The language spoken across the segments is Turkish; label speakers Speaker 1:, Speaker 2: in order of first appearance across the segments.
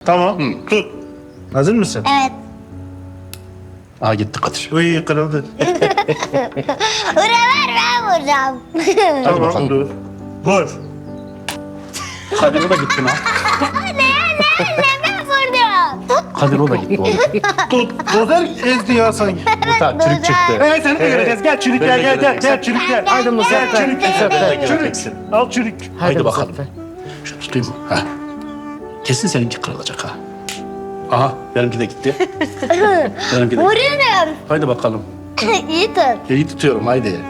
Speaker 1: Tamam. Tut. Hazır mısın?
Speaker 2: Evet.
Speaker 3: Aa gitti Kadir.
Speaker 1: Uy kırıldı.
Speaker 2: Vura ver ben vuracağım.
Speaker 1: Tamam dur. Vur.
Speaker 3: Kadir o da gitti lan.
Speaker 2: Ben vurdum.
Speaker 3: Kadir o da gitti oğlum.
Speaker 1: Tut. Dozer ezdi ya sanki.
Speaker 3: Muhtar çürük çıktı.
Speaker 1: Evet seni de göreceğiz. Gel çürük gel gel gel. Gel çürük gel.
Speaker 3: Haydi Muzaffer.
Speaker 1: Gel çürük
Speaker 3: Muzaffer
Speaker 1: gel.
Speaker 3: göreceksin.
Speaker 1: Çürük. Al çürük.
Speaker 3: Haydi bakalım. Şunu tutayım. Ha. Kesin seninki kırılacak ha. Aha benimki de gitti. Benimki de gitti.
Speaker 2: Vuruyorum.
Speaker 3: Haydi bakalım.
Speaker 2: İyi tut.
Speaker 3: İyi tutuyorum haydi.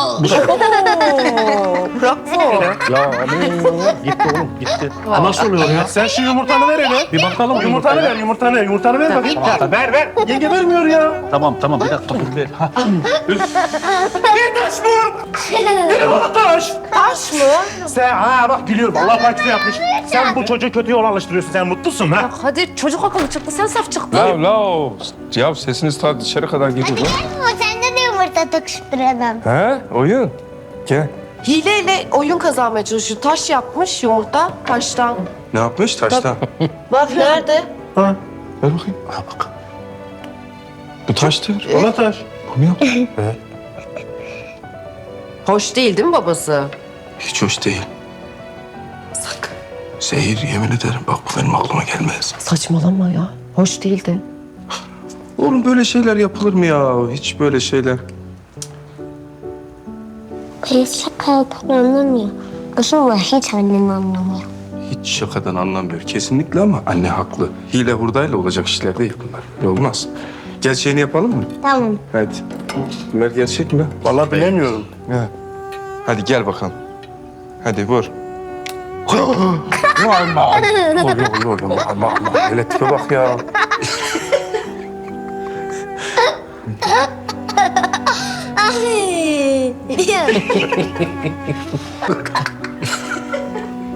Speaker 4: Bravo.
Speaker 3: Ya aman gitti oğlum gitti. Ha, nasıl oluyor ya?
Speaker 1: Sen şu yumurtanı ver hele.
Speaker 3: Bir bakalım
Speaker 1: Yumurtanı
Speaker 3: yumurtaya.
Speaker 1: ver, yumurtanı. Yumurtanı ver bakayım.
Speaker 3: Tamam, tamam.
Speaker 1: Ver, ver. Yenge vermiyor ya.
Speaker 3: Tamam tamam bir dakika dur ver. Ha.
Speaker 1: Bir taş mı? Bir bana taş.
Speaker 4: Taş mı?
Speaker 1: Sen bak biliyorum Allah partisi yapmış. Sen bu çocuğu kötü yola alıştırıyorsun. Sen mutlusun ha?
Speaker 4: Hadi çocuk akıllı çıktı. Sen saf çıktın.
Speaker 5: La. Ya sesiniz ta dışarı kadar gidiyor lan.
Speaker 2: Ama sende de yumurta takıştıralım.
Speaker 5: He? Oyun. Gel.
Speaker 4: Hileyle oyun kazanmaya çalışıyor. Taş yapmış yumurta taştan.
Speaker 5: Ne yapmış taştan?
Speaker 4: Bak nerede?
Speaker 1: Ha.
Speaker 5: Ver bakayım.
Speaker 3: Ha bak.
Speaker 5: Bu taştır.
Speaker 1: Ona taş.
Speaker 5: Bu mu yaptı?
Speaker 4: Hoş değil değil mi babası?
Speaker 5: Hiç hoş değil.
Speaker 4: Sakın.
Speaker 5: Zehir yemin ederim bak bu benim aklıma gelmez.
Speaker 4: Saçmalama ya. Hoş değildi.
Speaker 5: Oğlum böyle şeyler yapılır mı ya? Hiç böyle şeyler.
Speaker 2: Biz şaka yapan anlamıyor. Aslında hiç annen anlamıyor.
Speaker 5: Hiç şakadan anlamıyor kesinlikle ama anne haklı. Hile hurdayla olacak işler değil bunlar. Olmaz. Gel şeyini yapalım mı?
Speaker 2: Tamam.
Speaker 5: Hadi. Ömer gerçek mi?
Speaker 1: Vallahi bilemiyorum.
Speaker 5: He. Hadi gel bakalım. Hadi vur. Hele tipe bak ya.
Speaker 2: Ay.